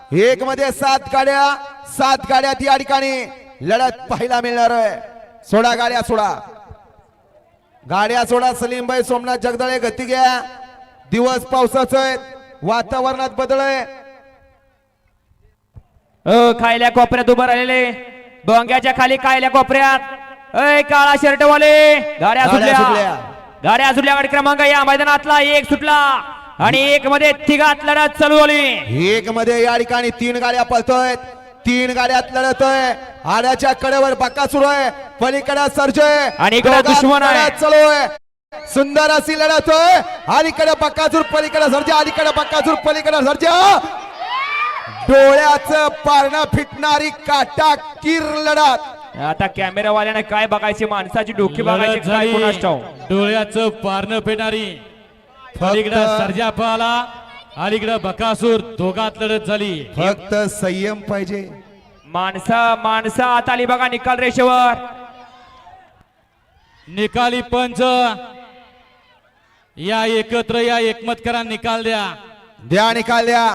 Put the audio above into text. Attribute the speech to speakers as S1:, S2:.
S1: एक मध्ये 7 गाड्या या ठिकाणी लढत पाहायला मिळणार आहे। सोडा गाड्या सोडा, गाड्या सोडा। सलीमभाई सोमनाथ जगदळे गती घ्या। दिवस पावसाचा आहे, वातावरणात बदल आहे।
S2: खायल्या कोपऱ्यात उभं राहिलेले डोंग्याच्या खाली खायल्या कोपऱ्यात काळा शर्ट वाले गाड्या सुटल्या। गाड्या सुटल्या। गाडी क्रमांक या मैदानातला 1 सुटला आणि 1 मध्ये तिघात लढत चालू झाली।
S1: 1 मध्ये या ठिकाणी 3 गाड्या पळतोय, 3 गाड्यात लढत आहे। आड्याच्या कडेवर बक्का सुरू आहे, पलीकडे सर्जय
S2: आणि इकडे दुश्मन आहे।
S1: चालू आहे, सुंदर अशी लढत आहे। अलीकडे बक्कासूर, पलीकडे सर्जा, अलीकडे बक्कासूर, पलीकडे सर्जा। डोळ्याचं पारणं फिटणारी काटाकीर लढत।
S2: आता कॅमेरावाल्याने काय बघायची, माणसाची डोकी बघायची, काय कोणास ठाऊक।
S3: डोळ्याचं पारणं पेणारी पलीकडे सर्जा पळाला, अलीकडे बकासूर, दोघात लढत झाली।
S1: फक्त संयम पाहिजे।
S2: माणसं आता आली बघा निकाल रेषेवर।
S3: निकाली पंच या एकत्र या, एकमत करा, निकाल द्या।
S1: निकाल द्या।